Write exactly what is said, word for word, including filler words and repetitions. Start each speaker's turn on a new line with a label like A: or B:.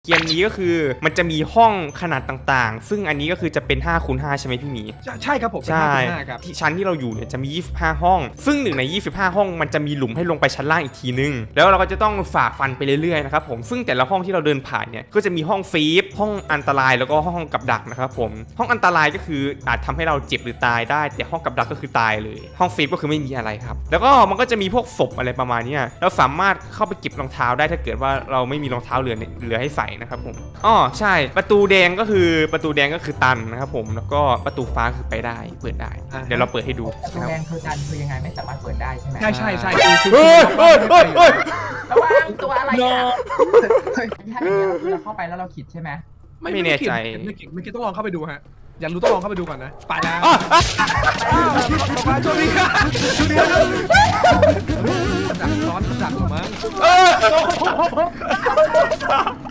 A: เกมนี้ก็คือมันจะมีห้องขนาดต่างๆซึ่งอันนี้ก็คือจะเป็นห้าคูณห้าใช่ไหมพี่หมี
B: ใช่ครับผม
A: ใช่
B: ครับ
A: ที่ชั้นที่เราอยู่เนี่ยจะมียี่สิบห้าห้องซึ่งหนึ่งในยี่สิบห้าห้องมันจะมีหลุมให้ลงไปชั้นล่างอีกทีนึงแล้วเราก็จะต้องฝ่าฟันไปเรื่อยๆนะครับผมซึ่งแต่ละห้องที่เราเดินผ่านเนี่ยก็จะมีห้องฟีฟห้องอันตรายแล้วก็ห้องกับดักนะครับผมห้องอันตรายก็คืออาจทำให้เราเจ็บหรือตายได้แต่ห้องกับดักก็คือตายเลยห้องฟีฟก็คือไม่มีอะไรครับแล้วก็มันก็จะมีพวกศพอะไรประมาณนี้เราสามารถเข้าไปเก็บรองเท้าได้ถ้าเกิดว่าเราไม่มีรองเท้าเหลือเหลือให้ใส่นะครับผมอ๋อใช่ประตูแดงก็คือประตูแดงก็คือตันนะครับผมแล้วก็ประตูฟ้าคือไปได้เปิดได้เดี๋ยวเราเปิดให้ดู
C: ประตูแดงคือตันคือยังไงไม่สามารถเปิดได้ใช่ไหม
B: ใช่ใช่ใช่
A: เฮ้ยเฮ้ยเฮ้ยเฮ้ย
C: ระวังตัวอะไรอ่ะถ้าอย่างเงี้ยคือเราเข้าไปแล้วเราขิดใช่ไหม
A: ไม่แน่ใจ
B: ไม่คิดไม่คิดต้องลองเข้าไปดูฮะอยากรู้ต้องลองเข้าไปดูก่อนนะไปแล้ว
A: อ๋ออ๋อ
B: มาโชคดีครับโชคดีครับดักซ้อนดักหรือมั้ง
A: เออ